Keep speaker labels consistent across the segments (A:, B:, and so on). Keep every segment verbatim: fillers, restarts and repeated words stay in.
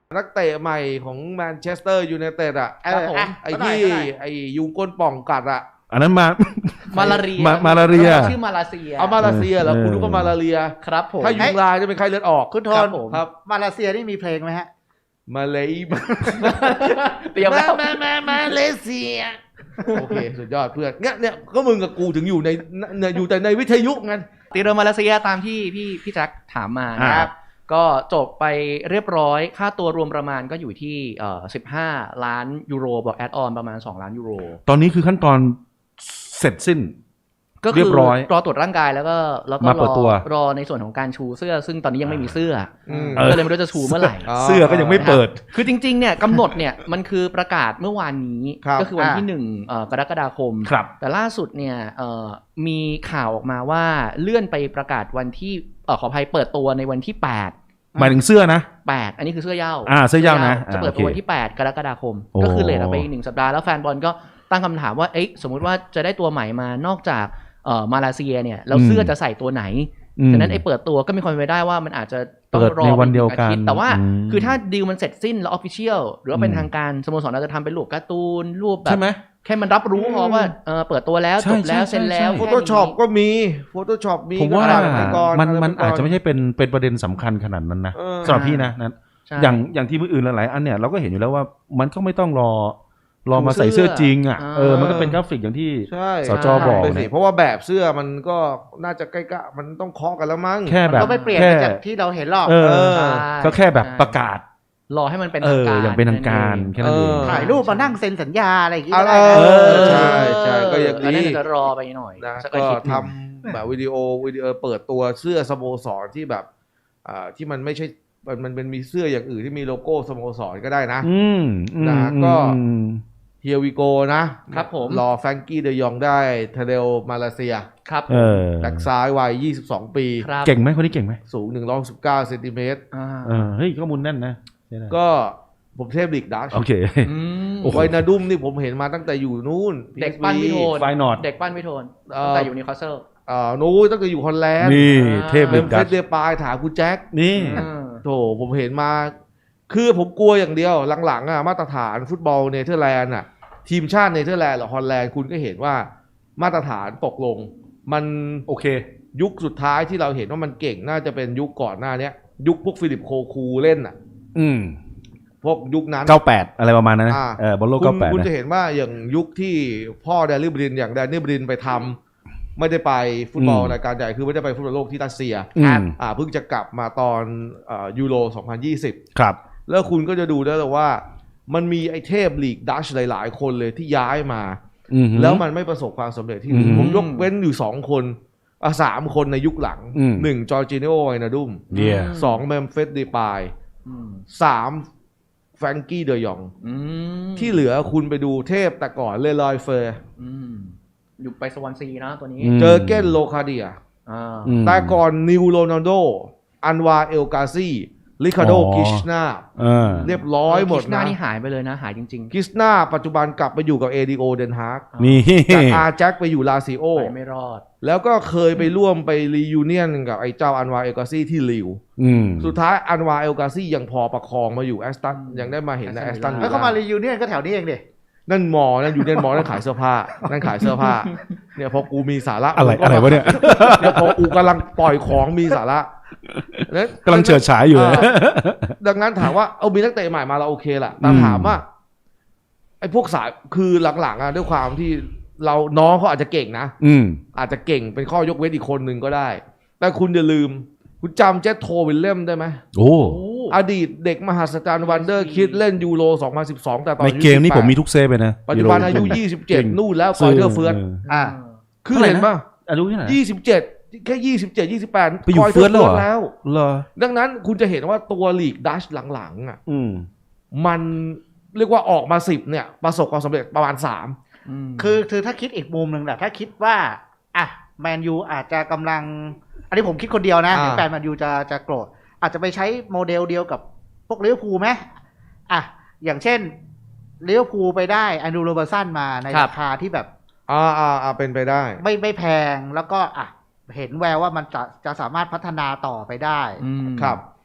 A: นักเตะใหม่ของแมนเชสเตอร์ยูไนเต็ดอ่ะ
B: ครับผม
A: ไอ้ที่ไอ้ยุงก้นป่องกัดอ่ะ
C: อันนั้นมา
B: มาลาเรีย
C: มามาลาเรีย
B: ชื่อมาลาเซีย
A: เอามาเลเซียเหรอ
C: เออ
A: คุณรู้ก็มาลาเรีย
B: ครับผม
A: ถ้ายุงลายจะเป็นไข้เลือดออก
D: คุณโท
B: ครั
D: น
B: บผม
A: ครับ
D: มาเลเซียนี่มีเพลงไหมฮะ
A: มาเลย
B: เตรียมแล้ว
A: มามามาเลเซียโอเคสุดยอดเพื่อนเนี่ยเนี่ยก็มึงกับกูถึงอยู่ในเนี่ยอยู่แต่ในวิทยุงั้น
B: ตีเรือมาเลเซียตามที่พี่พี่แจ็คถามมานะครับ ก็จบไปเรียบร้อยค่าตัวรวมประมาณก็อยู่ที่เอ่อสิบห้าล้านยูโรบอกแอดออนประมาณสองล้านยูโร
C: ตอนนี้คือขั้นตอนเสร็จสิ้น
B: ก็
C: เรี
B: คื
C: ยบร้อย
B: รอตรวจร่างกายแล้วก็แล้วก็
C: มาเปิ
B: ร
C: ด
B: อ
C: ตัว
B: รอในส่วนของการชูเสื้อ ซึ่งตอนนี้ยังไม่มีเสื้อ
A: อืม
B: อก็เลยไม่รู้จะชูเมื่อไหร่
A: อ๋อ
C: เสื้อก็ยังไม่เปิด
B: คือจริงๆเนี่ยกำหนดเนี่ยมันคือประกาศเมื่อวานนี้
A: ครับ
B: ก็คือวันที่
D: อ่า
B: หนึ่งเอ่อกรกฎาคม
C: ครับ
B: แต่ล่าสุดเนี่ยเอ่อมีข่าวออกมาว่าเลื่อนไปประกาศวันที่เอ่อขออภัยเปิดตัวในวันที่แปด
C: หมายถึงเสื้อนะ
B: แปดอันนี้คือเสื้อเหย้า
C: อ่าเสื้อเหย้านะ
B: จะเปิด
C: อ่า
B: ตัว
C: โอเค
B: วันที่แปดกรกฎาคม
C: โอ้
B: ก็คือเลทออกไปอีกหนึ่งสัปดาห์แล้วแฟนบอลก็ตั้งคำถามว่าเอ๊ะสมมุติว่าจะได้ตัวใหม่มานอกจากเอ่อมาเลเซียเนี่ยแล้วเสื้อจะใส่ตัวไหน
C: อืม
B: ฉะนั้นไอ้เปิดตัวก็มีความเป็นไปได้ว่ามันอาจจะต้อง
C: เปิด
B: รอ
C: ในวันเดียวกัน
B: อาทิตแต่ว่า
C: อืม
B: คือถ้าดีลมันเสร็จสิ้นแล้วออฟฟิเชียลหรือว่าเป็น
C: อืม
B: ทางการสโมสรอาจจะทำเป็นรูปการ์ตูนรูปแบ
C: ใช่
B: บ
C: ไหม
B: แค่มันรับรู้พอว่าเออเปิดตัวแล้ว
C: ใช่
B: จบแล้ว
C: ใช่
B: เซ็นแล้ว
C: ใช่
A: โฟโต้ช็อปก็มีโฟโต้ช็อปมี
C: ผมว่า
A: ก็อะไรไปก่อ
C: มันมัน
A: ไรไปก่
C: อาจจะไม่ใช่เป็นเป็นประเด็นสำคัญขนาดนั้นนะ
A: เออ
C: สำหรับพี่นะนั้น
B: ใช่
C: อย่างอย่างที่มืออื่นหลายๆอันเนี่ยเราก็เห็นอยู่แล้วว่ามันก็ไม่ต้องรอรอมาใส่เสื้อจริงอ่ะ
B: อ่า
C: เออมันก็เป็นกราฟิกอย่างที่
A: ใช่
C: สจบอก
A: ไปสิ
C: เนี่ย
A: เพราะว่าแบบเสื้อมันก็น่าจะใกล้ๆมันต้องเคาะกันแล้วมั้ง
C: แค่แบบ
D: ก็ไม่เปลี่ยน
C: แค่
D: ไปจากที่เราเห็นหรอก
C: เออ
A: เออ
B: ใช่
C: ก็แค่แบบประกาศ
B: รอให้มันเป็น
C: เอ
B: ทาง
C: อ
B: การ
C: อย่างเป็นทางการ
B: นั่นเอง
C: แค่นั้นเอง
A: เออ
D: ถ่ายรูปมานั่งเซ็นสัญญาอะไรอย่างงี้
A: อะ
D: ก็
A: ไร
D: ได้นะ
A: เอ
C: เอ
A: อ
C: อ
A: ใช่ใช่ก็อย่าง
B: แล้ว
A: นี้
B: น่าจะรอไปหน่อย
A: นะ
B: สัก
A: ก็
B: อาทิตย์ห
A: ท
B: นึ่ง
A: ำแบบวิดีโอวิดีโอเปิดตัวเสื้อสโมสรที่แบบอ่าที่มันไม่ใช่มันมันเป็นมีเสื้ออย่างอื่นที่มีโลโก้สโมสรก็ได้นะ
C: อืมอืม
A: นะก็
C: อืม
A: เฮียวิโกนะครับ
B: ผม
A: รอแฟรงกี้เดยองได้เทเดลมาเลเซีย
B: ครับ
C: เออ
A: แบ็กซ้ายวัยยี่สิบสองปี
B: ครับ
C: เก่งไหมคนนี้เก่งไหม
A: สูงหนึ่งร้อยสิบเก้าเซนติเมตร
B: อ่า
C: เออเฮ้ยข้อมูลแน่นนะใช่ได้
A: ก็ผมเทพลีกดัช
C: โอเค
B: อืม
C: โอ้โห
A: ไวนาดุมนี่ผมเห็นมาตั้งแต่อยู่นู่น
B: เด็กปั้นวิโทน
C: ไฟนอร์ด
B: เด็กปั้นวิโทน
A: เอ่อ
B: ตั้งแต่อยู่นิวคาสเซิล
A: เอ่อนู้นตั้งแต่อยู่ฮอลแลนด์
C: นี่
B: อ่า
C: เทพ
A: เม
C: ลิ
A: ม
C: ก
A: เฟ
C: ดั
A: ส
C: ช
A: เดปายถามคุณแจ็ค
C: นี่
A: โถผมเห็นมา คือผมกลัวอย่างเดียวหลังๆอ่ะมาตรฐานฟุตบอลเนเธอร์แลนด์อ่ะทีมชาติเนเธอร์แลนด์หรือฮอลแลนด์คุณก็เห็นว่ามาตรฐานตกลง มัน
C: โอเค
A: ยุคสุดท้ายที่เราเห็นว่ามันเก่งน่าจะเป็นยุคก่อนหน้าเนี้ยยุคพวกฟิลิปโคคูเล่นอ่ะ
C: อืม
A: พวกยุคนั้น
C: เก้าแปดอะไรประมาณนั้นนะ
A: อ่า
C: เออบอลโลก
A: คุ
C: เก้า
A: ณ
C: แปด
A: คุณ
C: นะ
A: จะเห็นว่าอย่างยุคที่พ่อแดนนิลบรินอย่างแดนนิลบรินไปทำไม่ได้ไปฟุตบอล
C: อืม
A: รายการใหญ่คือไม่ได้ไปฟุตบอลโลกที่รัสเซีย
C: อืม
A: อ่าเพิ่งจะกลับมาตอนเอ่อยูโรสองพันยี่สิบ
C: ครับ
A: แล้วคุณก็จะดูได้เลยว่ามันมีไอเทพลีกดัชหลาย ๆ คนเลยที่ย้ายมา
C: อืม
A: แล้วมันไม่ประสบความสำเร็จที่
C: อืม
A: ผมยกเว้นอยู่สองคนอ่ะสามคนในยุคหลัง
C: อืม
A: หนึ่งจอร์จิโนไวนาดุม
C: เยี่ย
A: สองเมมเฟสเดปาย
B: อืม
A: สามแฟรงกี้เดยอง
B: อืม
A: ที่เหลือคุณไปดูเทพแต่ก่อนเลลอยเฟอร์
B: อืมอยู่ไปสวอนซีนะตัวนี้
C: อืม
A: เจอเก้นโลคาเดีย
B: อ่า
C: อืม
A: แต่ก่อนนิวโรนัลโดอันวาเอลกาซีลิคาโด
C: อ๋อ
A: กิชนา
C: เออ
A: เรียบร้อยหมด
B: คิชนา
A: นะ
B: นี่หายไปเลยนะ หายจริง
A: กิชนาปัจจุบันกลับไปอยู่กับเอดีโอเดนฮาก
B: ๆ
C: นี่
A: จากอาแจ็คไปอยู่ลาซิโอ
B: ไปไม่รอด
A: แล้วก็เคยไปร่วมไปรียูเนียนกับไอ้เจ้าอันวาเอลกาซีที่ลิว
C: อืม
A: สุดท้ายอันวาเอลกาซียังพอประคองมาอยู่แอสตัน
B: อืม
A: ยังได้มาเห็นในแอส
B: Aston
A: ตัน
B: Villa
D: แล้วก็มารียูเนียนก็แถวนี้เองดิ
A: นั่นหมอนั่นอยู่เนียนหมอนั่นขายเสื้อผ้านั่นขายเสื้อผ้าเนี่ยพอกูมีสาระ
C: อะไร
A: กูก็
C: อะไรวะเนี่ย
A: เนี่ยพอกูกำลังปล่อยของมีสาระนั้น
C: กำลังเฉิดฉายอยู่เลย
A: ดังนั้นถามว่าเอามีนักเตะใหม่มาเราโอเคแหละแต่
C: อืม
A: ถามว่าไอ้พวกสายคือหลังๆอ่ะด้วยความที่เราน้องเขาอาจจะเก่งนะ
C: อืม
A: อาจจะเก่งเป็นข้อยกเว้นอีกคนหนึ่งก็ได้ แต่คุณอย่าลืม คุณจำเจสโทวิลเลียมได้ไหม
C: โอ้
A: อดีตเด็กมหัศจรรย์วันเดอร์คิดเล่นยูโรสองพันสิบสองแต่ตอน
C: ใน
A: อายุ
C: เกมนี้
A: สิบแปด
C: ผมมีทุกเซฟเลยนะ
A: ปัจจุบันอายุ
C: เ
A: ยี่สิบเจ็ด
C: เก่ง
A: นู่นแล้วคอยเทอร์เฟิร์ส
D: อ่า
A: คือเห็นป่ะ
C: อายุเท่าไหร่
A: ยี่สิบเจ็ดแค่ยี่สิบเจ็ดยี่สิบแปด
C: ไปอยู่
A: คอย
C: เฟิร์สแล้วเหรอ
A: แล้ว
C: เหรอ
A: ดังนั้นคุณจะเห็นว่าตัวลีกดัชหลังๆอ่ะ
C: อืม
A: มันเรียกว่าออกมาสิบเนี่ย ประสบความสำเร็จประมาณสาม
D: คือคือถ้าคิดอีกมุมหนึ่งแหละถ้าคิดว่าอ่ะแมนยูอาจจะกำลัง อันนี้ผมคิดคนเดียวนะ
A: อ่า
D: เดี๋ยวแฟนแมนยูจะจะโกรธอาจจะไปใช้โมเดลเดียวกับพวกลิเวอร์พูลไหมอ่ะอย่างเช่นลิเวอร์พูลไปได้แอนดรูโรเบอร์สันมาใน
B: ครับ
D: ราคาที่แบบ
A: อ่าอ่าอ่าเป็นไปได้
D: ไม่ไม่แพงแล้วก็อ่ะเห็นแววว่ามันจะจะสามารถพัฒนาต่อไปได้
B: อืม
A: ครับ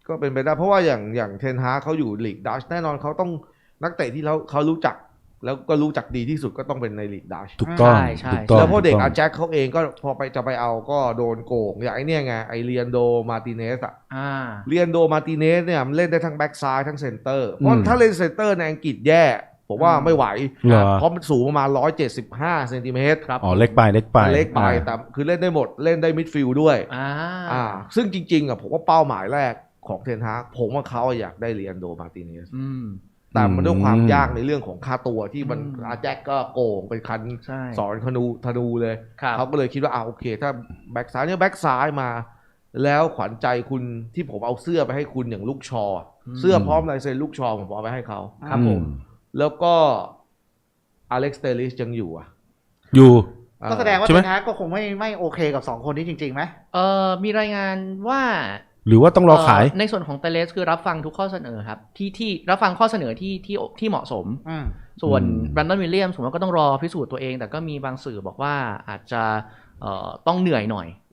A: ก็เป็นไปได้เพราะว่าอย่างอย่างเทนฮากเขาอยู่ลีกดัชแน่นอนเขาต้องนักเตะที่เขาเขารู้จักแล้วก็รู้จักดีที่สุดก็ต้องเป็นในลีกดัช
C: ถูกต้อง
B: ใช่ใช่
C: ถูกต้อง
A: แล้วพอเด็ก
C: ถู
A: อา
C: ต้อง
A: แจ็คเขาเองก็พอไปจะไปเอาก็โดนโกงอย่างไอเนี่ยไงไอเรียนโดมาติเนสอะ
B: อ่า
A: เรียนโดมาติเนสเนี่ยมันเล่นได้ทั้งแบ็กซ้ายทั้งเซนเตอร์เพราะ
C: อืม
A: ถ้าเล่นเซนเตอร์ในอังกฤษแย่ผมว่า
B: อืม
A: ไม่ไหว
C: เหรอ
A: เพราะมันสูงประมาณหนึ่งร้อยเจ็ดสิบห้าเซนติเมตรครับ
C: อ๋อเล็กไปเล็กไป
A: เล็กไป
C: อ่า
A: แต่คือเล่นได้หมดเล่นได้มิดฟิลด์ด้วย
B: อ่า
A: อ่าซึ่งจริงๆอ่ะผมว่าเป้าหมายแรกของเทนฮากผมว่าเขาอยากได้เรียนโดมาติเนส
B: อืม
A: แต่มันด้วยความ
C: อืม
A: ยากในเรื่องของค่าตัวที่มัน
B: อืม
A: อาแจ็คก็โกงเป็นคัน
B: ใช่
A: สอนธนูธนูเลย
B: ครับ
A: เขาก็เลยคิดว่าอ่าโอเค ถ้าแบ็กซ้ายเนี่ยแบ็กซ้ายมา แล้วขวัญใจคุณที่ผมเอาเสื้อไปให้คุณอย่างลูกชอ เสื้อพร้อมลายเซ็นลูกชอผมเอาไปให้เขา
B: ครับผม
C: อื
A: แล้วก็อเล็กซ์เตลิสยังอยู่อ่ะ
C: อยู่
D: ก็แสดงว่า
C: ใช่
D: เท
C: ไหม
D: นฮากก็คงไม่ไม่โอเคกับสองคนนี้จริงๆไหม
B: เอ่อมีรายงานว่า
C: หรือว่าต้องรอขาย
B: เในส่วนของเตเลสคือรับฟังทุกข้อเสนอครับที่ที่รับฟังข้อเสนอที่ที่ที่เหมาะสม
D: อืม
B: ส่วน
C: อืม
B: แบรนดอนวิลเลียมสมมติว่าก็ต้องรอพิสูจน์ตัวเอง แต่ก็มีบางสื่อบอกว่าอาจจะเอ่อต้องเหนื่อยหน่อย